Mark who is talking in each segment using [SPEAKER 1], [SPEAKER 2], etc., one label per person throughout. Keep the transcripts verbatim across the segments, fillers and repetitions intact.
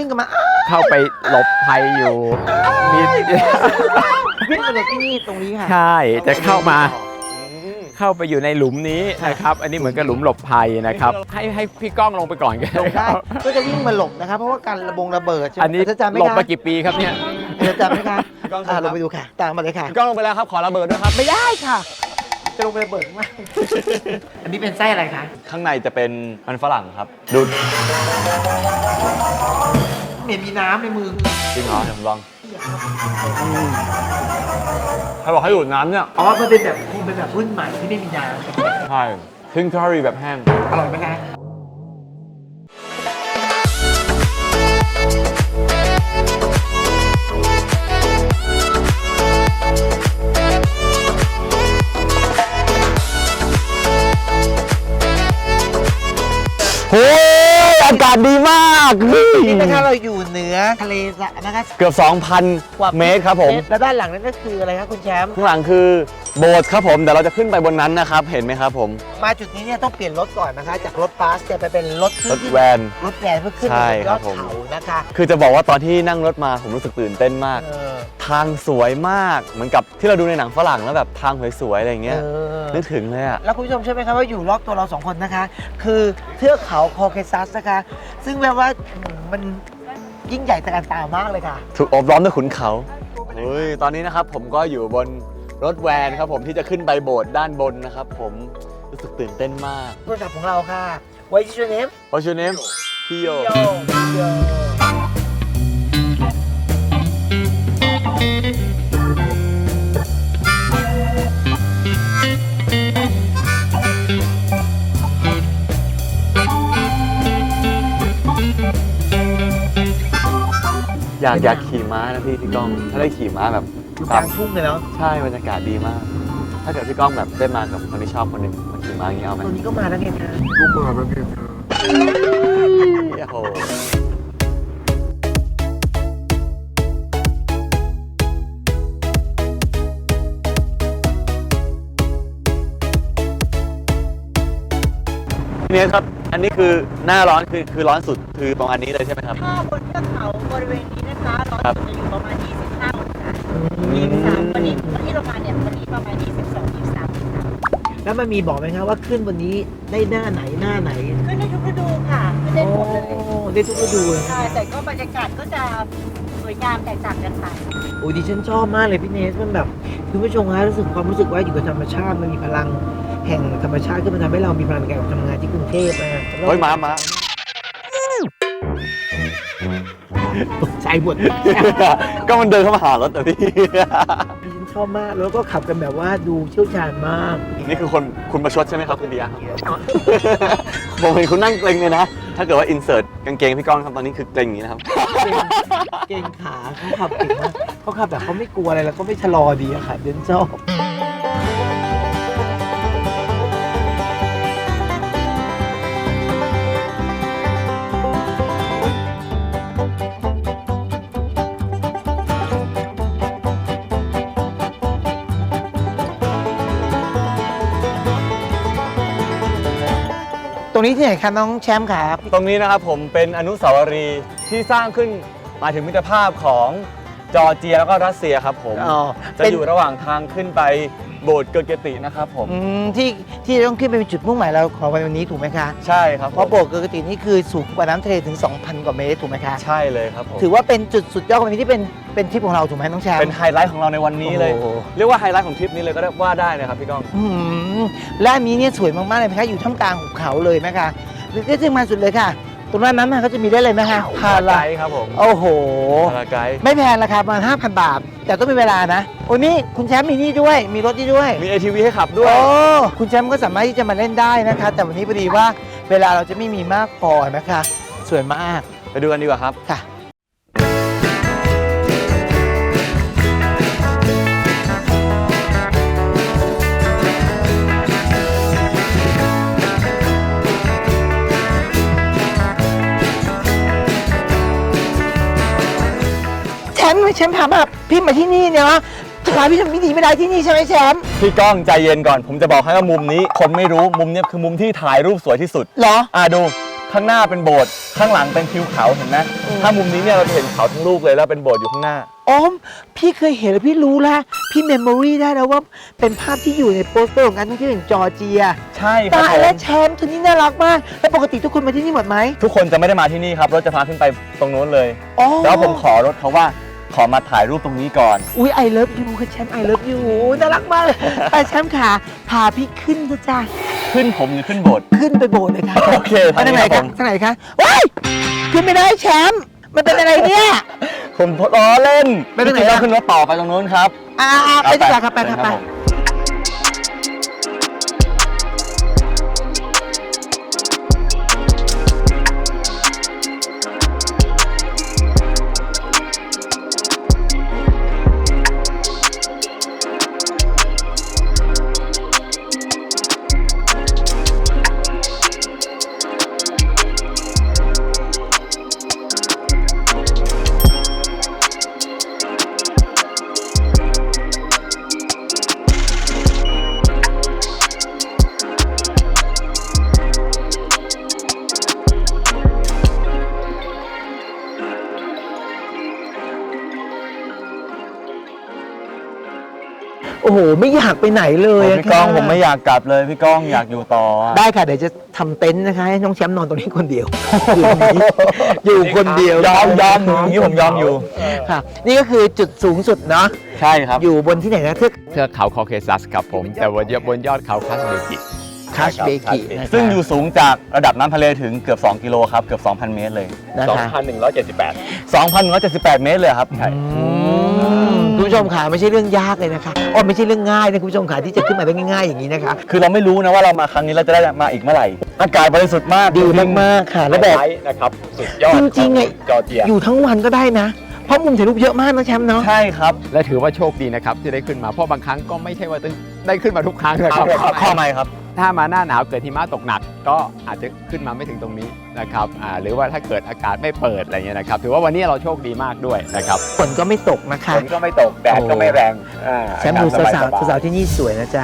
[SPEAKER 1] กันมา
[SPEAKER 2] เข้าไปหลบภัยอยู่มี
[SPEAKER 1] วิ่งมาจากที่นี่ตรงนี้ค่ะ
[SPEAKER 2] ใช่จะเข้ามาเข้าไปอยู่ในหลุมนี้นะครับอันนี้เหมือนกับหลุมหลบภัยนะครับให้ให้พี่ก้องลงไปก่อนกัน
[SPEAKER 1] ลงได้ก็จะวิ่งมาหลบนะครับเพราะว่าการระบงระเบิดใช่ไหม
[SPEAKER 2] อันนี้
[SPEAKER 1] จะจำไหม
[SPEAKER 2] หลบ
[SPEAKER 1] คะ
[SPEAKER 2] มากี่ปีครับเนี่ย
[SPEAKER 1] จะจำไหมคะอ่าลงไปดูค่ะตามมาเลยค่ะ
[SPEAKER 3] พี่ก้องลงไปแล้วครับขอระเบิดด้วยครับ
[SPEAKER 1] ไม่ได้ค่ะ จะลงไประเบิดข้างล่างอันนี้เป็นไส้อะไรคะ
[SPEAKER 3] ข้างในจะเป็นมันฝรั่งครับดู
[SPEAKER 1] เหม็นมีน้ำในมือ
[SPEAKER 3] จริงเหรอเดี๋ยวผมลองใครบอกให้ดูดน้ำเนี่ย
[SPEAKER 1] อ๋อมันเป็นแบบคงเป็นแบบรุ่นใหม่ที่ไม่มีน้
[SPEAKER 3] ใช่ทิ้งทอรี่แบบแห้ง
[SPEAKER 1] ำอร่อยไหมคะ
[SPEAKER 3] โอ้ยอากาศดีมาก
[SPEAKER 1] นี่นะคะเราอยู่เหนือทะเลสะนะคะ
[SPEAKER 3] เกือบ สองพัน เมตรครับผม
[SPEAKER 1] แล้วด้านหลังนั่นก็คืออะไรครับคุณแชมป์
[SPEAKER 3] ข้างหลังคือโบสถ์ครับผมเดี๋ยวเราจะขึ้นไปบนนั้นนะครับเห็นไหมครับผม
[SPEAKER 1] มาจุดนี้เนี่ยต้องเปลี่ยนรถก่อนนะคะ จากรถบัสจะไปเป็นรถขึ้
[SPEAKER 3] ร
[SPEAKER 1] น
[SPEAKER 3] ถแวน
[SPEAKER 1] รถแวนเพื่อขึ้น
[SPEAKER 3] ใช่
[SPEAKER 1] ไปบนยอด
[SPEAKER 3] ครับผม
[SPEAKER 1] เขานะคะ
[SPEAKER 3] คือจะบอกว่าตอนที่นั่งรถมาผมรู้สึกตื่นเต้นมาก
[SPEAKER 1] เออ
[SPEAKER 3] ทางสวยมากเหมือนกับที่เราดูในหนังฝรั่งแล้วแบบทางสวยๆอะไรอย่างเงี้ย
[SPEAKER 1] เออ
[SPEAKER 3] นึกถึงเลยอ่ะ
[SPEAKER 1] แล้วคุณผู้ชมเชื่อไหมครับว่าอยู่รอบตัวเราสองคนนะคะ คือเทือกเขาคอเคซัสนะคะ ซึ่งแปลว่ามันยิ่งใหญ่ตระการตามากเลยค่ะ
[SPEAKER 3] ถูกโอบล้อมด้วยขุนเขาเฮ้ยตอนนี้นะครับผมก็อยู่บนรถแวนครับผมที่จะขึ้นไปโบสถ์ด้านบนนะครับผมรู้สึกตื่นเต้นมาก
[SPEAKER 1] โทรศัพท์ของเราค่ะ What is your name
[SPEAKER 3] What's your name พี่โย
[SPEAKER 1] Yo Yo
[SPEAKER 3] อยากอยากขี่ม้านะพี่พี่ก้องถ้าได้ขี่ม้าแบบ
[SPEAKER 1] อยู่กลางทุ่งเลยเนาะ
[SPEAKER 3] ใช่บรรยากาศดีมาก ถ้าเกิดพี่ก้องแบบได้มากับคนที่ชอบคนหนึ่งมาขี่ม้าอย่างนี้เอาไหม
[SPEAKER 1] ตอนนี้ก็มาแล้วไงคะ
[SPEAKER 3] โอ้โหพี่เนสครับ อันนี้คือหน้าร้อนคือคือร้อนสุดคือประมาณนี้เลยใช่ไหมครับ
[SPEAKER 4] ถ้าบนเทือกเขาบริเวณนี้นะคะร้อน
[SPEAKER 3] ครับ
[SPEAKER 4] สุดจะอยู่ประมาณ ยี่สิบห้า องศายี่สิบสามวันนี้วันที่เรามาเนี่ยวันนี้ประมาณ ยี่สิบสอง ยี่สิบสาม องศา
[SPEAKER 1] แล้วมันมีบอกไหมคะว่าขึ้นวันนี้ได้หน้าไหนหน้าไหน
[SPEAKER 4] ขึ้นได้ทุกฤดูค่ะขึ้นได้หมดเลย
[SPEAKER 1] โอ้ได้ทุกฤดูเลย
[SPEAKER 4] ใช่แต่ก็บรรยากาศก็จะสวยงามแตกต่างกันไป
[SPEAKER 1] โอ้ดิฉันชอบมากเลยพี่เนสมันแบบคุณผู้ชมคะรู้สึกความรู้สึกว่าอยู่กับธรรมชาติมันมีพลังแห่งธรรมชาติที่มันทำให้เรามีพลังในการทำงานที่กรุงเทพนะ
[SPEAKER 3] เฮ้ยม้าม้า
[SPEAKER 1] ตกใจหมด
[SPEAKER 3] ก็มันเดินเข้ามาหารถแต่พี่
[SPEAKER 1] ดิฉันชอบมากแล้วก็ขับกันแบบว่าดูเชี่ยวชาญมาก
[SPEAKER 3] นี่คือคนคุณประชดใช่ไหมครับคุณเบียร์ผมเห็นคุณนั่งเกรงเลยนะ ถ้าเกิดว่าอินเสิร์ตกางเกงพี่ก้องครับตอนนี้คือเกรงอย่างนี้นะครับ
[SPEAKER 1] เก่งขาเขาขับเก่งมากเขาขับแบบเขาไม่กลัวอะไรแล้วก็ไม่ชะลอดีอะค่ะเดินชอบตรงนี้ที่ไหนคะน้องแชมป์ครับ
[SPEAKER 3] ตรงนี้นะครับผมเป็นอนุสาวรีย์ที่สร้างขึ้นหมายถึงมิตรภาพของจอร์เจียแล้วก็รัสเซียครับผม
[SPEAKER 1] อ๋อ
[SPEAKER 3] จะอยู่ระหว่างทางขึ้นไปโบสถ์เกอร์เกตินะครับผม
[SPEAKER 1] อืมที่ที่ต้องขึ้นไปเป็นจุดมุ่งหมายเราของวันนี้ถูกไหมคะ
[SPEAKER 3] ใช่ครับ
[SPEAKER 1] เพราะโบสถ์เกอร์กตินี่คือสูงกว่าน้ำทะเลถึง สองพัน กว่าเมตรถูกไหมคะ
[SPEAKER 3] ใช่เลยครับผม
[SPEAKER 1] ถือว่าเป็นจุดสุดยอดของวันนี้ที่เป็นเป็นทริปของเราถูกไหมน้องแชมป์
[SPEAKER 3] เป็นไฮไลท์ของเราในวันนี้เลย
[SPEAKER 1] โอ้โห
[SPEAKER 3] เรียกว่าไฮไลท์ของทริปนี้เลยก็ได้ว่าได้นะครับพี่ก้อง
[SPEAKER 1] อืมและอันนี้เนี่ยสวยมากๆเลยนะคะอยู่ท่ามกลางหุบเขาเลยนะคะหรือที่จึงมาสุดเลยค่ะ ตรงนั้นนั้นนะเขาจะมีได้เลยไหมคะพา
[SPEAKER 3] ไก
[SPEAKER 1] รา
[SPEAKER 3] ด์ครับผม
[SPEAKER 1] โอ้โห
[SPEAKER 3] พาราไกด์
[SPEAKER 1] ไม่แพงราคาประมาณ ห้าพัน บาท แต่ต้องมีเวลานะโอ้นี่คุณแชมป์มีนี่ด้วย มีรถนี่ด้วย
[SPEAKER 3] มี เอ ที วี ให้ขับด้วย
[SPEAKER 1] โอ้คุณแชมป์ก็สามารถที่จะมาเล่นได้นะคะ แต่วันนี้พอดีว่าเวลาเราจะไม่มีมากพอนะคะ สวยมาก
[SPEAKER 3] ไปดูกันดีกว่าครับ
[SPEAKER 1] ค่ะ แชมป์แชมป์ถามแบบพี่มาที่นี่เนี่ยว่าจะพาพี่ทำไม่ดีไม่ได้ที่นี่ใช่ไหมแชมป์
[SPEAKER 3] พี่ก้องใจเย็นก่อน ผมจะบอกให้ว่ามุมนี้คนไม่รู้มุมเนี้ยคือมุมที่ถ่ายรูปสวยที่สุด
[SPEAKER 1] เหรอ
[SPEAKER 3] อ่าดูข้างหน้าเป็นโบสถ์ข้างหลังเป็นทิวเขาเห็นไหมถ้ามุมนี้เนี่ยเราจะเห็นเขาทั้งลูกเลยแล้วเป็นโบสถ์อยู่ข้างหน้า
[SPEAKER 1] อ๋อพี่เคยเห็นแล้วพี่รู้แล้วพี่เมมโมรีได้แล้วว่าเป็นภาพที่อยู่ในโปสเตอร์ของการท่องเที่ยวแห่งจอร์เจีย
[SPEAKER 3] ใช่ครับ
[SPEAKER 1] ตาย
[SPEAKER 3] ผม
[SPEAKER 1] แล้วแชมป์ตัวนี้น่ารักมากแล้วปกติทุกคนมาที่นี่หมดไหม
[SPEAKER 3] ทุกคนจะไม่ได้มาที่นี่ครับรถจะพาขึ้นไปตรงโน้นเลย
[SPEAKER 1] อ๋อ
[SPEAKER 3] แล้วผมขอรถเขาว่าขอมาถ่ายรูปตรงนี้ก่อน
[SPEAKER 1] อุ้ยไอเลิฟยูค่ะแชมป์ไอเลิฟยูน่ารักมากเลยไปแชมป์ขาพาพี่ขึ้นเถอะจ้า
[SPEAKER 3] ขึ้นผมหรือขึ้นโบสถ์
[SPEAKER 1] ขึ้นไปโบสถ์เลยค่ะ
[SPEAKER 3] โอเค
[SPEAKER 1] ไปทางไหน
[SPEAKER 3] ครั
[SPEAKER 1] คะ
[SPEAKER 3] บผม
[SPEAKER 1] ทางไหนคะว้ายขึ้นไม่ได้แชมป์มันเป็นอะไรเนี่ย
[SPEAKER 3] ผมล้อเล่น
[SPEAKER 1] ไปทางไหน
[SPEAKER 3] จริๆ
[SPEAKER 1] อะ
[SPEAKER 3] เราขึ้นรถต่อไปตรงโน้นครับ
[SPEAKER 1] อ่าๆไปดีกว่าครับไปครับไป
[SPEAKER 3] ผม
[SPEAKER 1] โอ้โหไม่อยากไปไหนเลย
[SPEAKER 3] โอ้
[SPEAKER 1] อะ
[SPEAKER 3] พี่ก้อง
[SPEAKER 1] ค่ะ
[SPEAKER 3] ผมไม่อยากกลับเลยพี่ก้องอยากอยู่ต่ออะ
[SPEAKER 1] ได้ค่ะเดี๋ยวจะทำเต็นท์นะคะให้น้องแชมป์นอนตรงนี้คนเดียวอยู่คนเดียวย
[SPEAKER 3] อมยอมอย่างนี้ผมยอมอยู่
[SPEAKER 1] ค่ะ นี่ก็คือจุดสูงสุดเนาะ
[SPEAKER 3] ใช่ครับ
[SPEAKER 1] อยู่บนที่ไหนนะเทือก
[SPEAKER 2] เทือกเขาคอเคซัสครับผมแต่บนยอดบนยอดเขาคัสเบกิ
[SPEAKER 1] คัชเบกินะคะ
[SPEAKER 3] ซึ่งอยู่สูงจากระดับน้ำทะเลถึงเกือบ สอง กิโลครับ เกือบ สองพัน เมตรเลย
[SPEAKER 1] นะคะ
[SPEAKER 2] สองพันหนึ่งร้อยเจ็ดสิบแปด
[SPEAKER 3] สองพันหนึ่งร้อยเจ็ดสิบแปด เมตรเลยครับ
[SPEAKER 1] อืมคุณผู้ชมค่ะไม่ใช่เรื่องยากเลยนะคะอ๋อไม่ใช่เรื่องง่ายนะคุณผู้ชมค่ะที่จะขึ้นมาได้ง่ายๆอย่างนี้นะคะ
[SPEAKER 3] คือเราไม่รู้นะว่าเรามาครั้งนี้เราจะได้มาอีกเมื่อไหร่ อากาศบริสุทธิ์มาก
[SPEAKER 1] ดีมากๆค่ะ แล้วแบบ
[SPEAKER 2] นะครับสุดยอด
[SPEAKER 1] จริงๆไง
[SPEAKER 2] จอร์เจีย
[SPEAKER 1] อยู่ทั้งวันก็ได้นะ เพราะมุมถ่ายรูปเยอะมากนะแชมป์เนาะ
[SPEAKER 3] ใช่ครับ
[SPEAKER 2] และถือว่าโชคดีนะครับที่ได้ขึ้นมาเพราะบางครั้งก็ไม่ใช่ว่าได้ขึ้นมาทุกครั้งนะครับ
[SPEAKER 3] ข้อไม่ครับ
[SPEAKER 2] ถ้ามาหน้าหนาวเกิดหิมะตกหนักก็อาจจะขึ้นมาไม่ถึงตรงนี้นะครับอ่าหรือว่าถ้าเกิดอากาศไม่เปิดอะไรเงี้ยนะครับถือว่าวันนี้เราโชคดีมากด้วยนะครับ
[SPEAKER 1] ฝนก็ไม่ตกนะคะ
[SPEAKER 2] ฝนก็ไม่ตกแดดก็ไม่แรงอ่า
[SPEAKER 1] แชมป์ดู
[SPEAKER 2] อากศ
[SPEAKER 1] สาว
[SPEAKER 2] บยๆ
[SPEAKER 1] ๆสาวๆที่นี่สวยนะจ๊ะ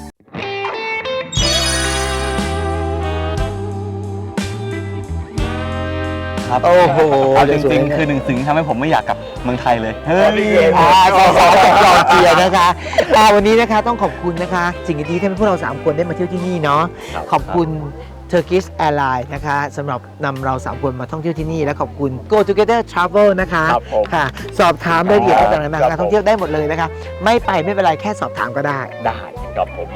[SPEAKER 3] ครับ
[SPEAKER 1] โอ้โห
[SPEAKER 3] เอาจริงๆ คือหนึ่งสิ่งที่ทำให้ผมไม่อยากกลับเมืองไทยเลย เฮ้ย
[SPEAKER 1] อ่าสาวๆจากจอร์เจียนะคะอ่าวันนี้นะคะต้องขอบคุณนะคะ สิ่งดีๆที่ทำให้พวกเราสามคนได้มาเที่ยวที่นี่เนาะขอบคุณ Turkish Airlines นะคะสำหรับนำเราสามคนมาท่องเที่ยวที่นี่และขอบคุณ Go Together Travel นะคะ
[SPEAKER 2] ครับผม
[SPEAKER 1] ค่ะ สอบถามรายละเอียดต่างๆนานา
[SPEAKER 2] ครับ
[SPEAKER 1] การท่องเที่ยวได้หมดเลยนะคะ ไม่ไปไม่เป็นไรแค่สอบถามก็ได้
[SPEAKER 2] ได้ครับผม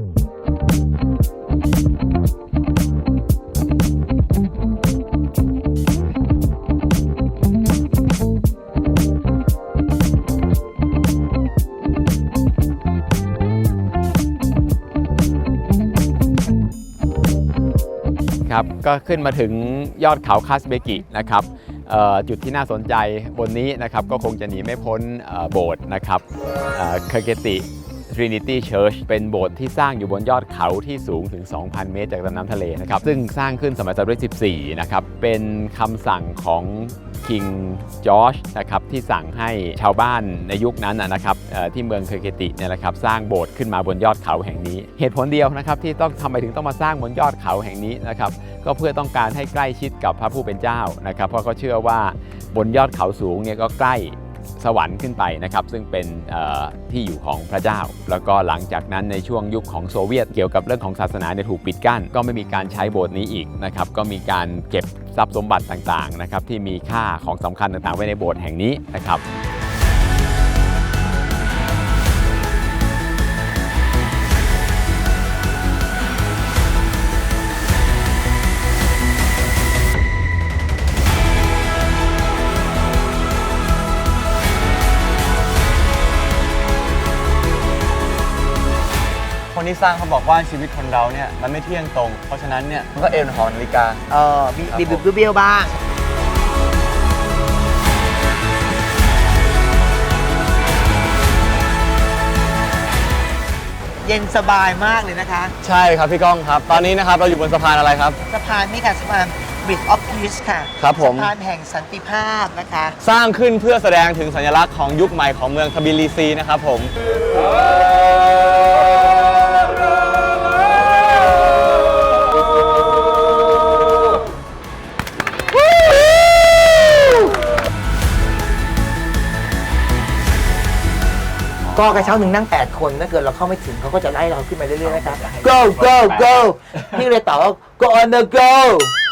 [SPEAKER 2] ครับก็ขึ้นมาถึงยอดเขาคัสเบกินะครับเอ่อจุดที่น่าสนใจบนนี้นะครับก็คงจะหนีไม่พ้นเอ่อโบสถ์นะครับเคอร์เกติ Trinity Church เป็นโบสถ์ที่สร้างอยู่บนยอดเขาที่สูงถึง สองพัน เมตรจากลำน้ำทะเลนะครับซึ่งสร้างขึ้นสมัยศตวรรษที่สิบสี่นะครับเป็นคำสั่งของคิงจอร์จนะครับที่สั่งให้ชาวบ้านในยุคนั้นนะนะครับเอ่อที่เมืองเคอร์เกติเนี่ยนะครับสร้างโบสถ์ขึ้นมาบนยอดเขาแห่งนี้ เหตุผลเดียวนะครับที่ต้องทำไมถึงต้องมาสร้างบนยอดเขาแห่งนี้นะครับก็เพื่อต้องการให้ใกล้ชิดกับพระผู้เป็นเจ้านะครับเพราะเขาเชื่อว่าบนยอดเขาสูงเนี่ยก็ใกล้สวรรค์ขึ้นไปนะครับซึ่งเป็นที่อยู่ของพระเจ้าแล้วก็หลังจากนั้นในช่วงยุคของโซเวียตเกี่ยวกับเรื่องของศาสนาเนี่ยถูกปิดกั้นก็ไม่มีการใช้โบสถ์นี้อีกนะครับก็มีการเก็บทรัพย์สมบัติต่างๆนะครับที่มีค่าของสำคัญต่างๆไว้ในโบสถ์แห่งนี้นะครับ
[SPEAKER 3] คนที่สร้างเขาบอกว่าชีวิตคนเราเนี่ยมันไม่เที่ยงตรง เพราะฉะนั้นเนี่ยมันก็เอ็นหอนาฬิกา
[SPEAKER 1] เออมี
[SPEAKER 3] ครับ
[SPEAKER 1] มี
[SPEAKER 3] ผม
[SPEAKER 1] บิบเบี้ยวบ้าง เย็นสบายมากเลยนะคะ
[SPEAKER 3] ใช่ครับพี่ก้องครับ ตอนนี้นะครับเราอยู่บนสะพานอะไรครับ
[SPEAKER 1] สะพานนี่ค่ะสะพาน Bridge of Peace ค่ะ
[SPEAKER 3] ครับผม
[SPEAKER 1] สะพานแห่งสันติภาพนะคะ
[SPEAKER 3] สร้างขึ้นเพื่อแสดงถึงสัญลักษณ์ของยุคใหม่ของเมืองทบิลิซีนะครับผม
[SPEAKER 1] ก็กระเช้าหนึ่งนั่งแปดคนถ้าเกิดเราเข้าไม่ถึงเขาก็จะไล่เราขึ้นไปเรื่อยๆนะครับ go go go พี่เลยตอบว่า go on the go